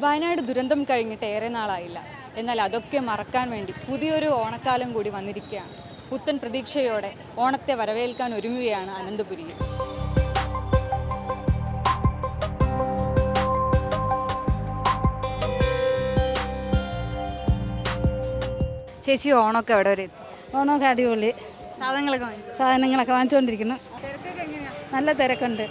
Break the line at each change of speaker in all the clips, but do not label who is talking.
വയനാട് ദുരന്തം കഴിഞ്ഞിട്ട് ഏറെ നാളായില്ല. എന്നാൽ അതൊക്കെ മറക്കാൻ വേണ്ടി പുതിയൊരു ഓണക്കാലം കൂടി വന്നിരിക്കുകയാണ്. പുത്തൻ പ്രതീക്ഷയോടെ ഓണത്തെ വരവേൽക്കാൻ ഒരുങ്ങുകയാണ് അനന്തപുരിയിൽ. ചേച്ചി, ഓണമൊക്കെ എവിടെ വരെ?
ഓണമൊക്കെ അടിപൊളി.
സാധനങ്ങളൊക്കെ
വാങ്ങിച്ചുകൊണ്ടിരിക്കുന്നു. നല്ല തിരക്കുണ്ട്.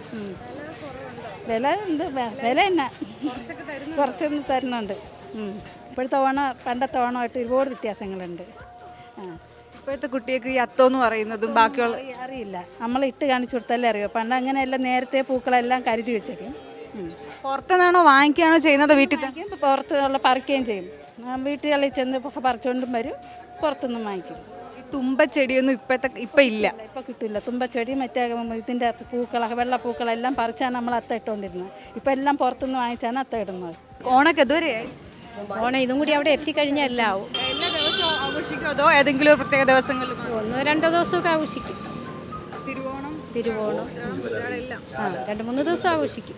വില എന്നാ കുറച്ചൊന്നും തരുന്നുണ്ട്. ഇപ്പോഴത്തെ ഓണം പണ്ടത്തെ ഓണമായിട്ട് ഒരുപാട് വ്യത്യാസങ്ങളുണ്ട്.
ഇപ്പോഴത്തെ കുട്ടികൾക്ക് ഈ അത്തം എന്ന് പറയുന്നതും ബാക്കിയുള്ള
അറിയില്ല. നമ്മൾ ഇട്ട് കാണിച്ചു കൊടുത്തല്ലേ അറിയോ. പണ്ട് അങ്ങനെയെല്ലാം നേരത്തെ പൂക്കളെല്ലാം കരുതി വെച്ചേക്കും.
പുറത്തുനിന്നാണോ വാങ്ങിക്കുകയാണോ ചെയ്യുന്നത്? വീട്ടിൽ
പുറത്തുള്ള പറിക്കുകയും ചെയ്യും. വീട്ടുകളിൽ ചെന്ന് പറിച്ചുകൊണ്ടും വരും, പുറത്തുനിന്നും വാങ്ങിക്കും.
ഈ തുമ്പച്ചെടിയൊന്നും ഇപ്പം ഇല്ല.
ഇപ്പം കിട്ടില്ല. തുമ്പച്ചെടി മറ്റേ ഇതിൻ്റെ പൂക്കളൊക്കെ വെള്ളപ്പൂക്കളെല്ലാം പറിച്ചാണ് നമ്മൾ അത്ത ഇട്ടുകൊണ്ടിരുന്നത്. ഇപ്പം എല്ലാം പുറത്തുനിന്ന് വാങ്ങിച്ചാണ് അത്ത ഇടുന്നത്.
ഓണൊക്കെ ഇതുവരെയായി.
ഓണം ഇതും കൂടി അവിടെ എത്തിക്കഴിഞ്ഞാൽ എല്ലാം ആവും.
എല്ലാ ദിവസവും ആഘോഷിക്കും അതോ ഏതെങ്കിലും ഒരു പ്രത്യേക ദിവസങ്ങളിൽ?
1-2 ദിവസമൊക്കെ ആഘോഷിക്കും.
തിരുവോണം
2-3 ദിവസം ആഘോഷിക്കും.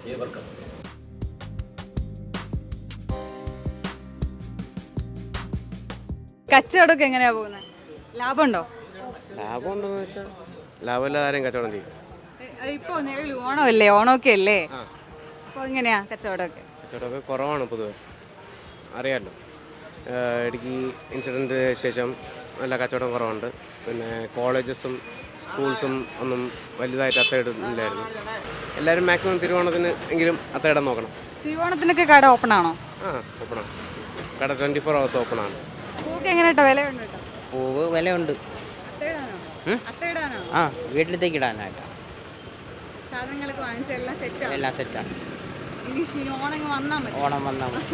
കച്ചവടമൊക്കെ എങ്ങനെയാ പോകുന്നത്? ലാഭമുണ്ടോ?
ലാഭമുണ്ടോന്ന് വെച്ചാൽ ലാഭമില്ലാതെ ആരെയും കച്ചവടം ചെയ്യും.
ഇപ്പോൾ നിലവിൽ ഓണമല്ലേ, ഓണമൊക്കെ അല്ലേ, അപ്പോൾ എങ്ങനെയാ കച്ചവടമൊക്കെ?
കച്ചവടമൊക്കെ കുറവാണ് പൊതുവെ, അറിയാമല്ലോ. ഇടുക്കി ഇൻസിഡൻറ്റിന് ശേഷം നല്ല കച്ചവടം കുറവുണ്ട്. പിന്നെ കോളേജസും സ്കൂൾസും ഒന്നും വലുതായിട്ട് അത്തയിടുന്നില്ലായിരുന്നു. എല്ലാവരും മാക്സിമം തിരുവോണത്തിന് എങ്കിലും അത്തയിടാൻ നോക്കണം.
തിരുവോണത്തിനൊക്കെ കട ഓപ്പൺ ആണോ?
ഓപ്പണാണ്. കട 24 hours ഓപ്പണാണ്.
പൂക്ക് എങ്ങനെയാ? വിലയുണ്ടോ?
പൂവ് വിലയുണ്ട്. വീട്ടിലത്തേക്ക് ഇടാനായിട്ടാണ്.
സാധനങ്ങളൊക്കെ വാങ്ങിച്ച
എല്ലാം സെറ്റാണ്. ഓണം വന്നാൽ മതി.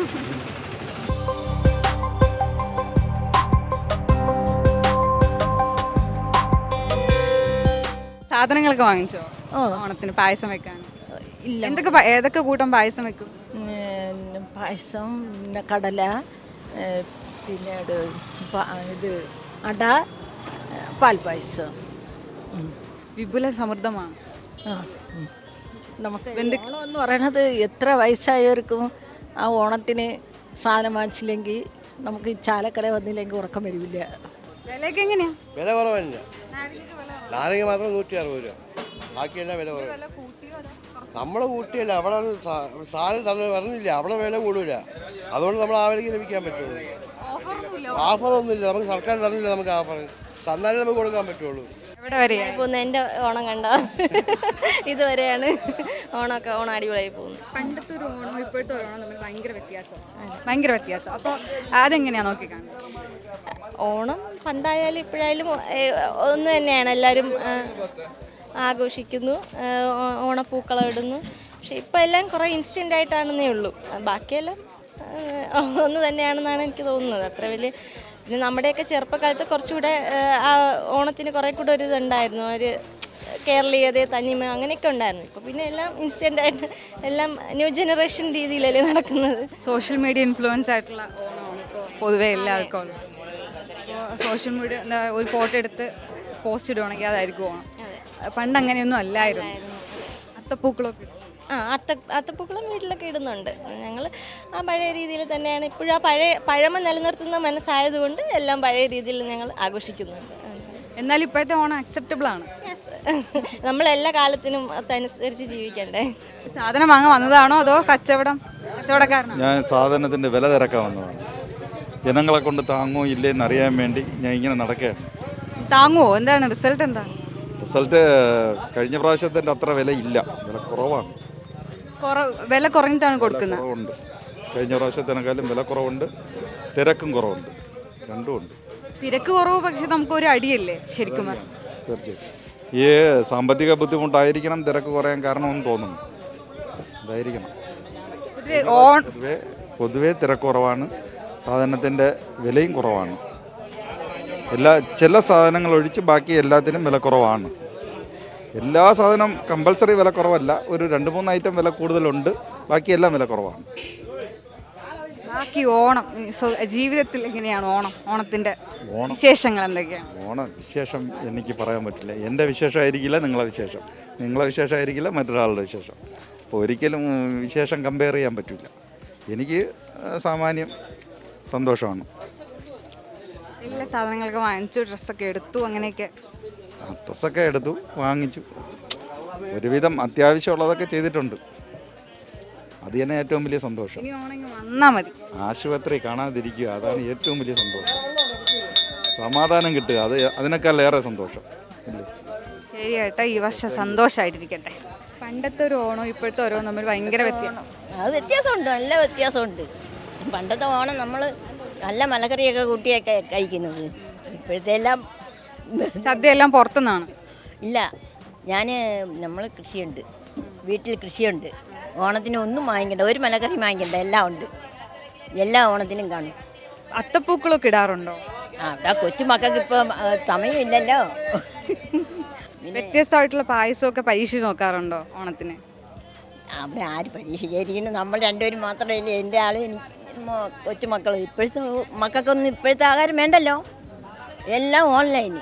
സാധനങ്ങളൊക്കെ വാങ്ങിച്ചോ ഓണത്തിന് പായസം വെക്കാൻ?
ഇല്ല.
ഏതൊക്കെ കൂട്ടം പായസം വെക്കും?
പായസം, പിന്നെ കടല, പിന്നെ ഇത് അട, പാൽപ്പായസം.
വിപുല സമൃദ്ധമാണ്.
നമുക്ക് ഓണം എന്ന് പറയുന്നത് എത്ര വയസ്സായവർക്കും ആ ഓണത്തിന് സാധനം വാങ്ങിച്ചില്ലെങ്കിൽ നമുക്ക് ഈ ചാലക്കട വന്നില്ലെങ്കിൽ ഉറക്കം വരില്ല.
വിലയൊക്കെ എങ്ങനെയാ?
വില കുറവല്ല. നാരങ്ങ മാത്രം 160 രൂപ, ബാക്കിയെല്ലാം വില കുറവ്. നമ്മൾ കൂട്ടിയല്ല, അവിടെ സാധനം തന്നെ പറഞ്ഞില്ല, അവിടെ വില കൂടില്ല. അതുകൊണ്ട് നമ്മൾ ആ വിലയ്ക്ക് ലഭിക്കാൻ പറ്റുള്ളൂ. ഓഫറൊന്നുമില്ല. നമുക്ക് സർക്കാർ തന്നില്ല. നമുക്ക് ഓഫർ തന്നാലേ നമുക്ക് കൊടുക്കാൻ പറ്റുള്ളൂ.
എൻ്റെ ഓണം കണ്ടോ? ഇതുവരെയാണ് ഓണമൊക്കെ. ഓണം അടിപൊളിയായി പോകുന്നു.
പണ്ടത്തെ ഒരു ഓണം ഇപ്പോഴത്തെ ഒരു ഓണം തമ്മിൽ ഭയങ്കര വ്യത്യാസം. അപ്പോൾ അതെങ്ങനെയാണ് നോക്കിക്കാണുന്നത്?
ഓണം പണ്ടായാലും ഇപ്പോഴായാലും ഒന്ന് തന്നെയാണ്. എല്ലാവരും ആഘോഷിക്കുന്നു, ഓണപ്പൂക്കളം ഇടുന്നു. പക്ഷെ ഇപ്പം എല്ലാം കുറേ ഇൻസ്റ്റൻ്റ് ആയിട്ടാണെന്നേ ഉള്ളൂ. ബാക്കിയെല്ലാം ഒന്ന് തന്നെയാണെന്നാണ് എനിക്ക് തോന്നുന്നത്. അത്ര വലിയ പിന്നെ നമ്മുടെയൊക്കെ ചെറുപ്പകാലത്ത് കുറച്ചുകൂടെ ആ ഓണത്തിന് കുറേ കൂടെ ഒരു ഇതുണ്ടായിരുന്നു, ഒരു കേരളീയത, തനിമ, അങ്ങനെയൊക്കെ ഉണ്ടായിരുന്നു. ഇപ്പോൾ പിന്നെ എല്ലാം ഇൻസ്റ്റൻ്റായിട്ട് എല്ലാം ന്യൂ ജനറേഷൻ രീതിയിലല്ലേ നടക്കുന്നത്.
സോഷ്യൽ മീഡിയ ഇൻഫ്ലുവൻസ് ആയിട്ടുള്ള ഓണമാണ് ഇപ്പോൾ പൊതുവേ എല്ലാവർക്കും ഉള്ളത്. ഇപ്പോൾ സോഷ്യൽ മീഡിയ ഒരു ഫോട്ടോ എടുത്ത് പോസ്റ്റ് ഇടുവാണെങ്കിൽ അതായിരിക്കും ഓണം. പണ്ട് അങ്ങനെയൊന്നും അല്ലായിരുന്നു. അത്തപ്പൂക്കളൊക്കെ
അത്തപ്പൂക്കളം വീട്ടിലൊക്കെ ഇടുന്നുണ്ട്. ഞങ്ങൾ ആ പഴയ രീതിയിൽ തന്നെയാണ് ഇപ്പോഴും. ആ പഴമ നിലനിർത്തുന്ന മനസ്സായതുകൊണ്ട് എല്ലാം പഴയ രീതിയിൽ ഞങ്ങൾ ആഘോഷിക്കുന്നുണ്ട്.
എന്നാൽ ഇപ്പോഴത്തെ ഓണം അക്സെപ്റ്റബിൾ ആണ്.
നമ്മളെല്ലാ കാലത്തിനും അതനുസരിച്ച് ജീവിക്കണ്ടേ.
സാധനം വാങ്ങാൻ വന്നതാണോ അതോ കച്ചവടക്കാരനാണോ?
ഞാൻ സാധനത്തിൻ്റെ വില തിരക്കാൻ വന്നതാണ്. ജനങ്ങളെ കൊണ്ട് താങ്ങോ ഇല്ലേന്ന് അറിയാൻ വേണ്ടി ഞാൻ ഇങ്ങനെ നടക്കുകയാണ്.
താങ്ങുമോ? എന്താണ് റിസൾട്ട്? എന്താണ്
റിസൾട്ട്? കഴിഞ്ഞ പ്രാവശ്യത്തിൻ്റെ അത്ര വില ഇല്ല, വില കുറവാണ്.
വില കുറഞ്ഞിട്ടാണ് കൊടുക്കുന്നത്.
കുറവുണ്ട്. കഴിഞ്ഞ പ്രാവശ്യത്തിനേക്കാളും വില കുറവുണ്ട്, തിരക്കും കുറവുണ്ട്, രണ്ടുമുണ്ട്.
തിരക്ക് കുറവ് പക്ഷെ നമുക്കൊരു അടിയല്ലേ ശരിക്കും?
തീർച്ചയായിട്ടും ഈ സാമ്പത്തിക ബുദ്ധിമുട്ടായിരിക്കണം തിരക്ക് കുറയാൻ കാരണമെന്ന് തോന്നുന്നു. അതായിരിക്കണം. പൊതുവേ തിരക്ക് കുറവാണ്, സാധനത്തിൻ്റെ വിലയും കുറവാണ്. ചില സാധനങ്ങൾ ഒഴിച്ച് ബാക്കി എല്ലാത്തിനും വില കുറവാണ്. എല്ലാ സാധനം കമ്പൽസറി വില കുറവല്ല, ഒരു 2-3 ഐറ്റം വില കൂടുതലുണ്ട്, ബാക്കിയെല്ലാം വില കുറവാണ്.
ബാക്കി ഓണം ജീവിതത്തിൽ എങ്ങനെയാണ്? ഓണത്തിൻ്റെ വിശേഷങ്ങൾ എന്തൊക്കെയാണ്?
ഓണം വിശേഷം എനിക്ക് പറയാൻ പറ്റില്ല. എൻ്റെ വിശേഷമായിരിക്കില്ല നിങ്ങളെ വിശേഷം, നിങ്ങളെ വിശേഷമായിരിക്കില്ല മറ്റൊരാളുടെ വിശേഷം. അപ്പോൾ ഒരിക്കലും വിശേഷം കമ്പയർ ചെയ്യാൻ പറ്റില്ല. എനിക്ക് സാമാന്യം സന്തോഷമാണ്.
എല്ലാ സാധനങ്ങളൊക്കെ വാങ്ങിച്ചു, ഡ്രസ്സൊക്കെ എടുത്തു, അങ്ങനെയൊക്കെ.
ഡ്രസ്സൊക്കെ എടുത്തു, വാങ്ങിച്ചു, ഒരുവിധം അത്യാവശ്യമുള്ളതൊക്കെ ചെയ്തിട്ടുണ്ട്. അത് തന്നെ ഏറ്റവും വലിയ സന്തോഷം.
ഇനി ഓണെങ്കിൽ വന്നാൽ മതി.
ആശുപത്രി കാണാതിരിക്കുക, അതാണ് ഏറ്റവും വലിയ സന്തോഷം. സമാധാനം കിട്ടുക, അതിനേക്കാൾ ഏറെ സന്തോഷം.
ശരി ഏട്ടാ, ഈ വർഷം സന്തോഷമായിട്ടിരിക്കട്ടെ. പണ്ടത്തെ ഒരു ഓണം ഇപ്പോഴത്തെ ഓരോ തമ്മിൽ ഭയങ്കര വ്യത്യാസം.
അത് വ്യത്യാസമുണ്ട്, നല്ല വ്യത്യാസമുണ്ട്. പണ്ടത്തെ ഓണം നമ്മൾ നല്ല മലക്കറിയൊക്കെ കൂട്ടിയൊക്കെ കഴിക്കുന്നത്. ഇപ്പോഴത്തെ എല്ലാം
സദ്യ എല്ലാം പുറത്തുനിന്നാണ്.
ഇല്ല, നമ്മൾ കൃഷിയുണ്ട്, വീട്ടിൽ കൃഷിയുണ്ട്. ഓണത്തിന് ഒന്നും വാങ്ങിക്കണ്ട, ഒരു മലക്കറി വാങ്ങിക്കണ്ട, എല്ലാം ഉണ്ട്. എല്ലാ ഓണത്തിനും കാണും.
അത്തപ്പൂക്കളൊക്കെ ഇടാറുണ്ടോ?
അവിടെ കൊച്ചുമക്കൾക്ക് ഇപ്പം സമയമില്ലല്ലോ.
വ്യത്യസ്തമായിട്ടുള്ള പായസമൊക്കെ പരീക്ഷിച്ച് നോക്കാറുണ്ടോ ഓണത്തിന്?
അവിടെ ആര് പരീക്ഷിക്കാതിരിക്കുന്നു? നമ്മൾ രണ്ടുപേരും മാത്രമല്ലേ, എൻ്റെ ആളും കൊച്ചുമക്കൾ. ഇപ്പോഴത്തെ മക്കൾക്കൊന്നും ഇപ്പോഴത്തെ ആഹാരം വേണ്ടല്ലോ, എല്ലാം ഓൺലൈന്.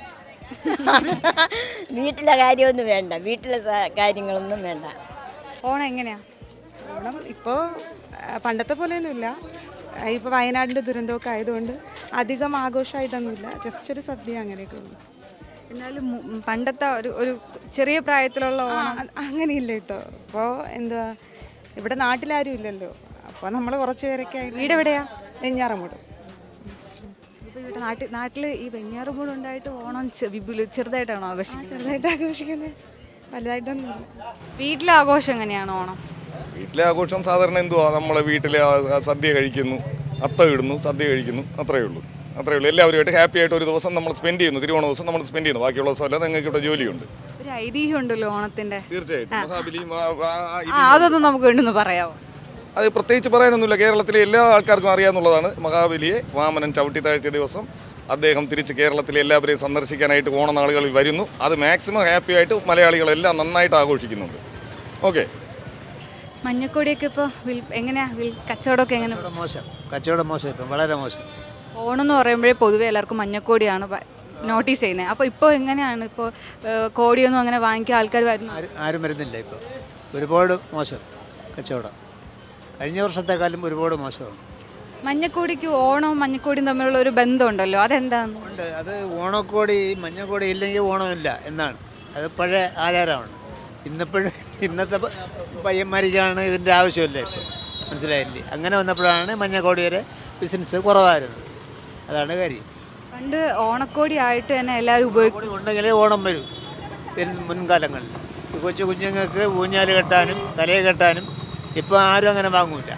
വീട്ടിലെ കാര്യമൊന്നും വേണ്ട, വീട്ടിലെ കാര്യങ്ങളൊന്നും വേണ്ട.
ഓണം എങ്ങനെയാ?
ഓണം ഇപ്പോൾ പണ്ടത്തെ പോലെയൊന്നുമില്ല. ഇപ്പോൾ വയനാടിൻ്റെ ദുരന്തമൊക്കെ ആയതുകൊണ്ട് അധികം ആഘോഷമായിട്ടൊന്നുമില്ല, ജസ്റ്റ് ഒരു സദ്യ അങ്ങനെയൊക്കെ ഉള്ളു.
എന്നാലും പണ്ടത്തെ ഒരു ചെറിയ പ്രായത്തിലുള്ള ഓണം
അങ്ങനെയില്ല കേട്ടോ. ഇപ്പോൾ എന്താ, ഇവിടെ നാട്ടിലാരും ഇല്ലല്ലോ, അപ്പോൾ നമ്മൾ കുറച്ച് പേരൊക്കെ ആയിട്ട്.
വീട് എവിടെയാ?
വെഞ്ഞാറമൂട്.
ഇപ്പോൾ ഇവിടെ നാട്ടിൽ ഈ വെഞ്ഞാറുമൂട് ഉണ്ടായിട്ട് ഓണം ചെറുതായിട്ടാണോ ആഘോഷിക്കുന്നത്?
ചെറുതായിട്ട് ആഘോഷിക്കുന്നത്, വലുതായിട്ടൊന്നുമില്ല.
വീട്ടിലെ ആഘോഷം എങ്ങനെയാണ് ഓണം?
വീട്ടിലെ ആഘോഷം സാധാരണ എന്തുവാ, നമ്മളെ വീട്ടിലെ സദ്യ കഴിക്കുന്നു, അത്ത ഇടുന്നു, സദ്യ കഴിക്കുന്നു, അത്രയേ ഉള്ളൂ. എല്ലാവരുമായിട്ട് ഹാപ്പി ആയിട്ട് ഒരു ദിവസം നമ്മൾ സ്പെൻഡ് ചെയ്യുന്നു. തിരുവോണ ദിവസം നമ്മൾ സ്പെൻഡ് ചെയ്യുന്നു. ബാക്കിയുള്ള ദിവസമല്ല, നിങ്ങൾക്ക് ഇവിടെ ജോലിയുണ്ട്.
ഒരു ഐതിഹ്യം ഉണ്ടല്ലോ ഓണത്തിന്റെ.
തീർച്ചയായിട്ടും
അതൊന്നും നമുക്ക് വേണ്ടൊന്ന് പറയാമോ?
അത് പ്രത്യേകിച്ച് പറയാനൊന്നുമില്ല. കേരളത്തിലെ എല്ലാ ആൾക്കാർക്കും അറിയാവുന്നതാണ്. മഹാബലിയെ വാമനൻ ചവിട്ടി താഴ്ത്തിയ ദിവസം അദ്ദേഹം തിരിച്ച് കേരളത്തിലെ എല്ലാവരെയും സന്ദർശിക്കാനായിട്ട് ഓണനാളുകളിൽ വരുന്നു. അത് മാക്സിമം ഹാപ്പി ആയിട്ട് മലയാളികളെല്ലാം നന്നായിട്ട് ആഘോഷിക്കുന്നുണ്ട്. ഓക്കെ.
മഞ്ഞക്കൊടിയൊക്കെ ഇപ്പോൾ എങ്ങനെയാ കച്ചവടമൊക്കെ എങ്ങനെ?
കച്ചവടം മോശം, ഇപ്പം വളരെ മോശം.
ഓണം എന്ന് പറയുമ്പോഴേ പൊതുവെ എല്ലാവർക്കും മഞ്ഞക്കോടിയാണ് നോട്ടീസ് ചെയ്യുന്നത്. അപ്പോൾ ഇപ്പോൾ എങ്ങനെയാണ്? ഇപ്പോൾ കോടിയൊന്നും അങ്ങനെ വാങ്ങിക്കാൻ ആൾക്കാർ വരുന്നു?
ആരും വരുന്നില്ല. ഇപ്പോൾ ഒരുപാട് മോശം കച്ചവടം, കഴിഞ്ഞ വർഷത്തെക്കാളും ഒരുപാട് മോശമാണ്.
മഞ്ഞക്കോടിക്ക് ഓണവും മഞ്ഞക്കോടിയും തമ്മിലുള്ള ഒരു ബന്ധമുണ്ടല്ലോ, അതെന്താണ്?
ഉണ്ട്. അത് ഓണക്കോടി മഞ്ഞക്കോടി ഇല്ലെങ്കിൽ ഓണമില്ല എന്നാണ്. അത് പഴയ ആചാരമാണ്. ഇന്നത്തെ പയ്യന്മാർക്കാണ് ഇതിൻ്റെ ആവശ്യമില്ല. ഇപ്പോൾ മനസ്സിലായില്ലേ? അങ്ങനെ വന്നപ്പോഴാണ് മഞ്ഞക്കോടിയുടെ ബിസിനസ് കുറവായിരുന്നത്. അതാണ് കാര്യം.
പണ്ട് ഓണക്കോടി ആയിട്ട് തന്നെ എല്ലാവരും ഉപയോഗിക്കും.
ഉണ്ടെങ്കിലേ ഓണം വരും. മുൻകാലങ്ങളിൽ കൊച്ചു കുഞ്ഞുങ്ങൾക്ക് ഊഞ്ഞാല് കെട്ടാനും തലയെ കെട്ടാനും ഇപ്പോൾ ആരും അങ്ങനെ വാങ്ങൂല.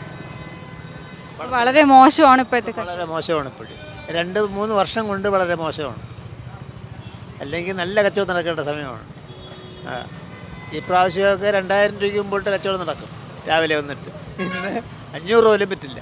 വളരെ മോശമാണ് ഇപ്പോഴത്തെ.
വളരെ മോശമാണ് ഇപ്പോഴും. 2-3 വർഷം കൊണ്ട് വളരെ മോശമാണ്. അല്ലെങ്കിൽ നല്ല കച്ചവടം നടക്കേണ്ട സമയമാണ്. ഈ പ്രാവശ്യമൊക്കെ 2000 രൂപയ്ക്ക് മുമ്പോട്ട് കച്ചവടം നടക്കും. രാവിലെ വന്നിട്ട് ഇന്ന് 500 പോലും പറ്റില്ല.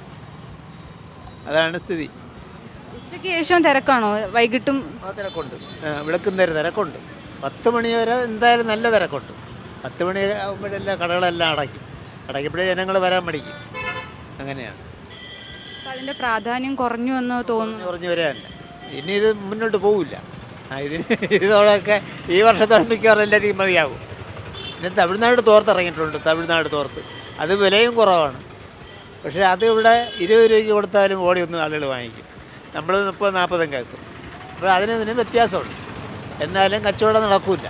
അതാണ് സ്ഥിതി.
ഉച്ചയ്ക്ക് ശേഷവും തിരക്കാണോ? വൈകിട്ടും
തിരക്കുണ്ട്. വിളക്കുന്നേരം തിരക്കുണ്ട്. 10 മണി വരെ എന്തായാലും നല്ല തിരക്കുണ്ട്. 10 മണി ആകുമ്പോഴെല്ലാം കടകളെല്ലാം അടയ്ക്കപ്പോഴേ ജനങ്ങൾ വരാൻ മടിക്കും. അങ്ങനെയാണ്.
അതിൻ്റെ പ്രാധാന്യം കുറഞ്ഞു എന്ന് തോന്നുന്നു.
കുറഞ്ഞു വരാനല്ല, ഇനി ഇത് മുന്നോട്ട് പോവില്ല. ഇതോടൊക്കെ ഈ വർഷത്തോടെ മിക്കവാറും എല്ലാവരും മതിയാകും. പിന്നെ തമിഴ്നാട് തോർത്തിറങ്ങിയിട്ടുണ്ട്. തമിഴ്നാട് തോർത്ത് അത് വിലയും കുറവാണ്. പക്ഷേ അത് ഇവിടെ 20 രൂപയ്ക്ക് കൊടുത്താലും ഓടിയൊന്നും ആളുകൾ വാങ്ങിക്കും. നമ്മൾ 30-40 കേൾക്കും. അപ്പോൾ അതിനും വ്യത്യാസമുണ്ട്. എന്നാലും കച്ചവടം നടക്കില്ല.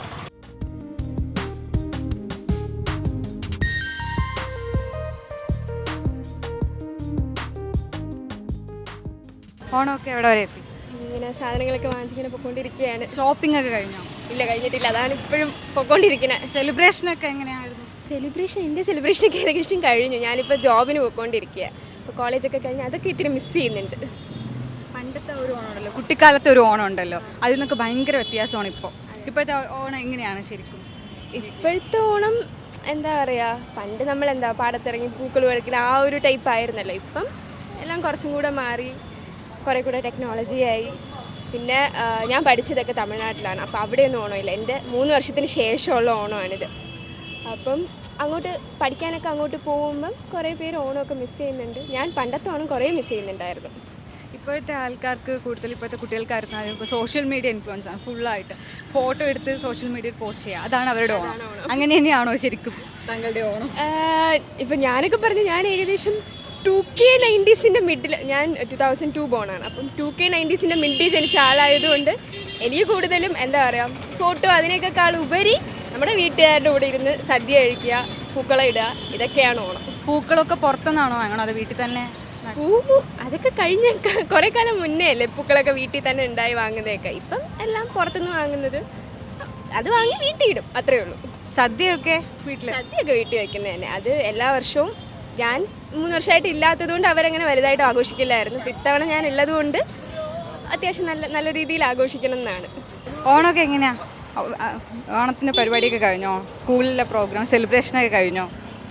ഓണമൊക്കെ എവിടെ വരെ എത്തി?
ഇങ്ങനെ സാധനങ്ങളൊക്കെ വാങ്ങിച്ചിങ്ങനെ പൊയ്ക്കൊണ്ടിരിക്കുകയാണ്.
ഷോപ്പിംഗ് ഒക്കെ കഴിഞ്ഞോ?
ഇല്ല, കഴിഞ്ഞിട്ടില്ല. അതാണ് ഇപ്പോഴും പൊയ്ക്കൊണ്ടിരിക്കുന്നത്.
സെലിബ്രേഷനൊക്കെ എങ്ങനെയായിരുന്നു?
എൻ്റെ സെലിബ്രേഷനൊക്കെ ഏകദേശം കഴിഞ്ഞു. ഞാനിപ്പോൾ ജോബിന് പോയിക്കൊണ്ടിരിക്കുക. ഇപ്പോൾ കോളേജൊക്കെ കഴിഞ്ഞ് അതൊക്കെ ഇത്തിരി മിസ് ചെയ്യുന്നുണ്ട്.
പണ്ടത്തെ ഒരു ഓണം ഉണ്ടല്ലോ, കുട്ടിക്കാലത്തെ ഒരു ഓണം ഉണ്ടല്ലോ, അതിൽ നിന്നൊക്കെ ഭയങ്കര വ്യത്യാസമാണ് ഇപ്പോൾ. ഇപ്പോഴത്തെ ഓണം എങ്ങനെയാണ് ശരിക്കും?
ഇപ്പോഴത്തെ ഓണം എന്താ പറയുക, പണ്ട് നമ്മളെന്താ പാടത്തിറങ്ങി പൂക്കൾ പറിക്കുന്ന ആ ഒരു ടൈപ്പ് ആയിരുന്നല്ലോ. ഇപ്പം എല്ലാം കുറച്ചും കൂടെ മാറി, കുറേ കൂടെ ടെക്നോളജിയായി. പിന്നെ ഞാൻ പഠിച്ചതൊക്കെ തമിഴ്നാട്ടിലാണ്. അപ്പോൾ അവിടെയൊന്നും ഓണമില്ല. എൻ്റെ 3 വർഷത്തിന് ശേഷമുള്ള ഓണമാണിത്. അപ്പം അങ്ങോട്ട് പഠിക്കാനൊക്കെ അങ്ങോട്ട് പോകുമ്പം കുറേ പേര് ഓണമൊക്കെ മിസ് ചെയ്യുന്നുണ്ട്. ഞാൻ പണ്ടത്തെ ഓണം കുറേ മിസ് ചെയ്യുന്നുണ്ടായിരുന്നു.
ഇപ്പോഴത്തെ ആൾക്കാർക്ക് കൂടുതൽ, ഇപ്പോഴത്തെ കുട്ടികൾക്കായിരുന്നാലും ഇപ്പോൾ സോഷ്യൽ മീഡിയ ഇൻഫ്ലുവൻസ് ആണ്. ഫുള്ളായിട്ട് ഫോട്ടോ എടുത്ത് സോഷ്യൽ മീഡിയയിൽ പോസ്റ്റ് ചെയ്യുക, അതാണ് അവരുടെ ഓണം. അങ്ങനെ തന്നെയാണോ ശരിക്കും താങ്കളുടെ ഓണം?
ഇപ്പം ഞാനൊക്കെ പറഞ്ഞു, ഞാൻ ഏകദേശം 2K90s മിഡിൽ, ഞാൻ 2002 ബോണാണ്. അപ്പം 2K90s മിഡിൽ ജനിച്ച ആളായതുകൊണ്ട് എനിക്ക് കൂടുതലും എന്താ പറയുക, ഫോട്ടോ അതിനേക്കാൾ ഉപരി നമ്മുടെ വീട്ടുകാരുടെ കൂടെ ഇരുന്ന് സദ്യ കഴിക്കുക, പൂക്കളം ഇടുക, ഇതൊക്കെയാണ് ഓണം.
പൂക്കളൊക്കെ പുറത്തുനിന്നാണോ വാങ്ങണോ അത് വീട്ടിൽ തന്നെ?
അതൊക്കെ കഴിഞ്ഞ കുറേ കാലം മുന്നേ അല്ലേ പൂക്കളൊക്കെ വീട്ടിൽ തന്നെ ഉണ്ടായി വാങ്ങുന്നതൊക്കെ. ഇപ്പം എല്ലാം പുറത്തുനിന്ന് വാങ്ങുന്നത്, അത് വാങ്ങി വീട്ടിൽ ഇടും, അത്രേ ഉള്ളൂ.
സദ്യയൊക്കെ
സദ്യയൊക്കെ വീട്ടിൽ വയ്ക്കുന്നത് തന്നെ. അത് എല്ലാ വർഷവും ഞാൻ 3 വർഷമായിട്ട് ഇല്ലാത്തതുകൊണ്ട് അവരങ്ങനെ വലുതായിട്ട് ആഘോഷിക്കില്ലായിരുന്നു. ഇപ്പം ഇത്തവണ ഞാൻ ഉള്ളതുകൊണ്ട് അത്യാവശ്യം നല്ല രീതിയിൽ ആഘോഷിക്കണം എന്നാണ്.
ഓണമൊക്കെ എങ്ങനെയാ? ഓണത്തിൻ്റെ പരിപാടിയൊക്കെ കഴിഞ്ഞോ? സ്കൂളിലെ പ്രോഗ്രാം സെലിബ്രേഷനൊക്കെ കഴിഞ്ഞോ?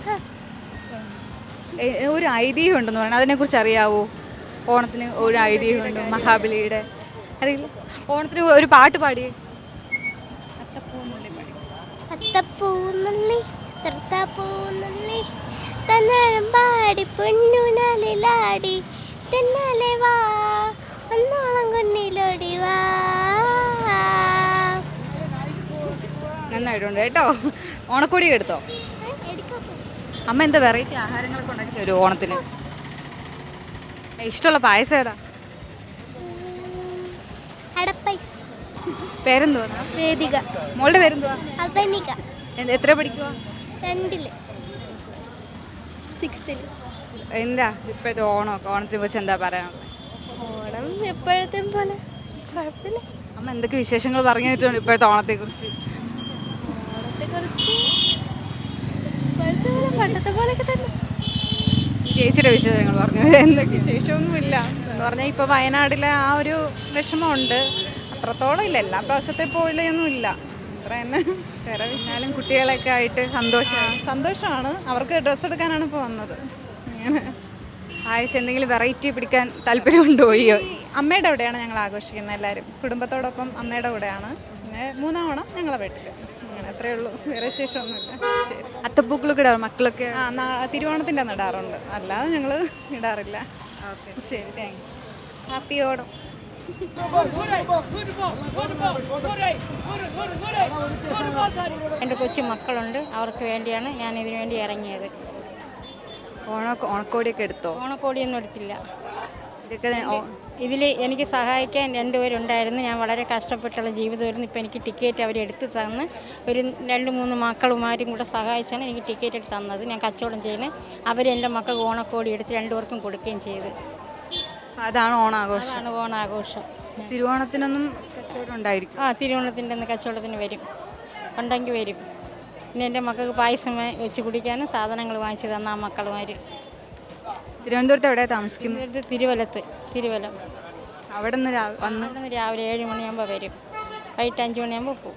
ഒരു ഐതിഹ്യം ഉണ്ടെന്ന് പറയുന്നത്, അതിനെക്കുറിച്ച് അറിയാവോ? ഓണത്തിന് ഒരു ഐതിഹ്യമുണ്ട്, മഹാബലിയുടെ. അറിയില്ല? ഓണത്തിന് ഒരു പാട്ട് പാടി.
അത്തപ്പൂന്നുള്ളി തൃത്തപ്പൂന്നുള്ളി തന്നാലും പാടി പൊന്നുനാലിലാടി തെന്നാലെ വാ ഒന്നോളം കുന്നിലോടി വാ.
നന്നായിട്ടുണ്ട് കേട്ടോ. ഓണക്കോടിയൊക്കെ എടുത്തോ? അമ്മ എന്താ വെറൈറ്റി ആഹാരങ്ങളൊക്കെ ഉണ്ടാക്കി തരുമോ ഓണത്തിന്? ഇഷ്ടമുള്ള പായസം ഏതാ? പേരെന്തുവാ?
വേദിക.
മോളുടെ പേരെന്തുവാ?
അവനിക.
എത്ര പഠിക്കുക?
2ൽ 6ൽ.
എന്താ ഇപ്പോഴത്തെ ഓണത്തിനെ കുറിച്ച് എന്താ പറയാനുള്ളത്?
ഓണം എപ്പോഴത്തെ പോലെ കുഴപ്പമില്ല.
അമ്മ എന്തൊക്കെ വിശേഷങ്ങൾ പറഞ്ഞു തന്നിട്ടുണ്ട് ഇപ്പോഴത്തെ ഓണത്തെക്കുറിച്ച്?
പണ്ടത്തെ പോലെയൊക്കെ തന്നെ.
ചേച്ചിയുടെ വിശേഷങ്ങൾ പറഞ്ഞു. എന്തൊക്കെ?
വിശേഷമൊന്നുമില്ല എന്ന് പറഞ്ഞാൽ ഇപ്പോൾ വയനാട്ടിലെ ആ ഒരു വിഷമമുണ്ട്, അത്രത്തോളം ഇല്ല. എല്ലാ പ്രാവശ്യത്തെ പോലെയൊന്നും ഇല്ല, അത്ര തന്നെ. വേറെ
വിശാലും കുട്ടികളൊക്കെ ആയിട്ട്
സന്തോഷമാണ്. അവർക്ക് ഡ്രസ്സ് എടുക്കാനാണ് ഇപ്പോൾ വന്നത്. അങ്ങനെ
പായസം എന്തെങ്കിലും വെറൈറ്റി പിടിക്കാൻ താല്പര്യമുണ്ടോ?
അമ്മയുടെ കൂടെയാണ് ഞങ്ങൾ ആഘോഷിക്കുന്നത്, എല്ലാവരും കുടുംബത്തോടൊപ്പം അമ്മയുടെ കൂടെയാണ്. പിന്നെ 3-ാം ഓണം ഞങ്ങളെ വീട്ടിൽ. അങ്ങനെ അത്രയേ ഉള്ളൂ, വേറെ വിശേഷമൊന്നുമില്ല. ശരി.
അത്തപ്പൂക്കളൊക്കെ ഇടാറ് മക്കളൊക്കെ?
തിരുവോണത്തിൻ്റെ അന്ന് ഇടാറുണ്ട്, അല്ലാതെ ഞങ്ങൾ ഇടാറില്ല.
ഓക്കെ,
ശരി, താങ്ക് യു.
ഹാപ്പി ഓണം.
എൻ്റെ കൊച്ചു മക്കളുണ്ട്, അവർക്ക് വേണ്ടിയാണ് ഞാൻ ഇതിനു വേണ്ടി ഇറങ്ങിയത്.
ഓണക്കോടിയൊക്കെ എടുത്തോ?
ഓണക്കോടിയൊന്നും എടുത്തില്ല.
ഇതൊക്കെ
ഇതിൽ എനിക്ക് സഹായിക്കാൻ 2 പേരുണ്ടായിരുന്നു. ഞാൻ വളരെ കഷ്ടപ്പെട്ടുള്ള ജീവിതമായിരുന്നു. ഇപ്പോൾ എനിക്ക് ടിക്കറ്റ് അവരെടുത്ത് തന്ന് ഒരു 2-3 മക്കളുമാരും കൂടെ സഹായിച്ചാണ് എനിക്ക് ടിക്കറ്റ് എടുത്ത് തന്നത്. ഞാൻ കച്ചവടം ചെയ്യുന്നത്. അവരെൻ്റെ മക്കൾക്ക് ഓണക്കോടി എടുത്ത് 2 പേർക്കും കൊടുക്കുകയും ചെയ്ത്.
അതാണ് ഓണാഘോഷം.
അതാണ് ഓണാഘോഷം.
തിരുവോണത്തിനൊന്നും കച്ചവടം ഉണ്ടായിരിക്കും?
തിരുവോണത്തിൻ്റെ അന്ന് കച്ചവടത്തിന് വരും, ഉണ്ടെങ്കിൽ വരും. പിന്നെ എൻ്റെ മക്കൾക്ക് പായസം വെച്ച് കുടിക്കാനും സാധനങ്ങൾ വാങ്ങിച്ചു തന്ന ആ മക്കളുമാർ.
തിരുവനന്തപുരത്ത് എവിടെയാണ് താമസിക്കുന്നത്?
തിരുവല്ലം.
അവിടെ നിന്ന്
രാവിലെ 7 മണിയാകുമ്പോൾ വരും, വൈകിട്ട് 5 മണിയാകുമ്പോൾ പോകും.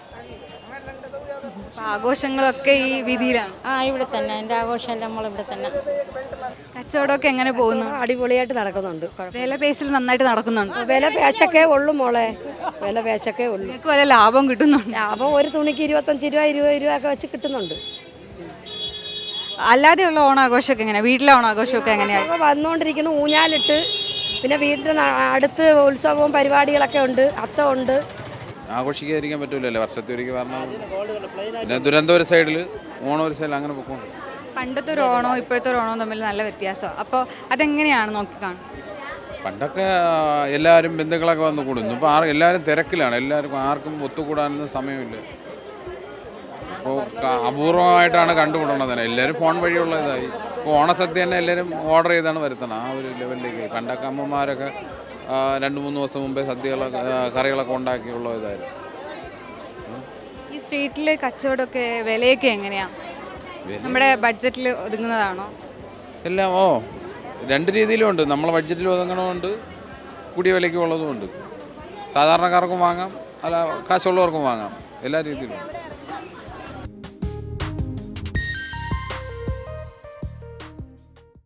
ആഘോഷങ്ങളൊക്കെ ഈ വീതിയിലാണ്?
ഇവിടെ തന്നെ എൻ്റെ ആഘോഷമെല്ലാം നമ്മളിവിടെ തന്നെ.
കച്ചവടമൊക്കെ എങ്ങനെ പോകുന്നു?
അടിപൊളിയായിട്ട് നടക്കുന്നുണ്ട്.
വില പേശിൽ നന്നായിട്ട് നടക്കുന്നുണ്ട്?
വില പേശൊക്കെ ഉള്ളു മോളെ, വില പേശൊക്കെ ഉള്ളു.
നിങ്ങൾക്ക് വല്ല ലാഭം കിട്ടുന്നുണ്ട്?
ലാഭം ഒരു തുണിക്ക് 25 രൂപ 20 രൂപ ഒക്കെ വെച്ച് കിട്ടുന്നുണ്ട്.
അല്ലാതെയുള്ള ഓണാഘോഷമൊക്കെ എങ്ങനെയാണ്? വീട്ടിലെ ഓണാഘോഷമൊക്കെ എങ്ങനെയാണ്?
വന്നുകൊണ്ടിരിക്കുന്നു, ഊഞ്ഞാലിട്ട്. പിന്നെ വീട്ടിൽ അടുത്ത് ഉത്സവവും പരിപാടികളൊക്കെ ഉണ്ട്, അത്തം ഉണ്ട്.
ആഘോഷിക്കാതിരിക്കാൻ പറ്റൂലല്ലോ, വർഷത്തിൽ ഒരിക്കൽ വരണം. പിന്നെ ദുരന്തം ഒരു സൈഡിൽ, ഓണം ഒരു സൈഡിൽ, അങ്ങനെ പൊക്കോണ്ട്.
പണ്ടത്തെ ഒരു ഓണവും ഇപ്പോഴത്തെ ഒരു ഓണവും തമ്മിൽ നല്ല വ്യത്യാസമാണ്. അപ്പോൾ അതെങ്ങനെയാണ് നോക്കിക്കാണുന്നത്?
പണ്ടൊക്കെ എല്ലാവരും ബന്ധുക്കളൊക്കെ വന്ന് കൂടുന്നു. ഇപ്പോൾ എല്ലാവരും തിരക്കിലാണ്, ആർക്കും ഒത്തുകൂടാനൊന്നും സമയമില്ല. അപ്പോൾ അപൂർവമായിട്ടാണ് കണ്ടുമുട്ടണത് തന്നെ. എല്ലാവരും ഫോൺ വഴിയുള്ള ഇതായി. ഇപ്പോൾ ഓണസദ്യ തന്നെ എല്ലാവരും ഓർഡർ ചെയ്താണ് വരുത്തണം, ആ ഒരു ലെവലിലേക്ക്. പണ്ടൊക്കെ അമ്മമാരൊക്കെ 2-3 ദിവസം മുമ്പേ സദ്യകളൊക്കെ കറികളൊക്കെ ഉണ്ടാക്കിയുള്ള ഇതായിരുന്നു.
ഈ സ്ട്രീറ്റിലെ കച്ചവടമൊക്കെ വിലയൊക്കെ എങ്ങനെയാണ്? നമ്മുടെ ബഡ്ജറ്റിൽ ഒതുങ്ങുന്നതാണോ?
എല്ലാം 2 രീതിയിലും ഉണ്ട്. നമ്മളെ ബഡ്ജറ്റിൽ ഒതുങ്ങണമുണ്ട്, കൂടിയ വിലയ്ക്ക് ഉള്ളതുമുണ്ട്. സാധാരണക്കാർക്കും വാങ്ങാം, അല്ല കാശുള്ളവർക്കും വാങ്ങാം, എല്ലാ രീതിയിലും.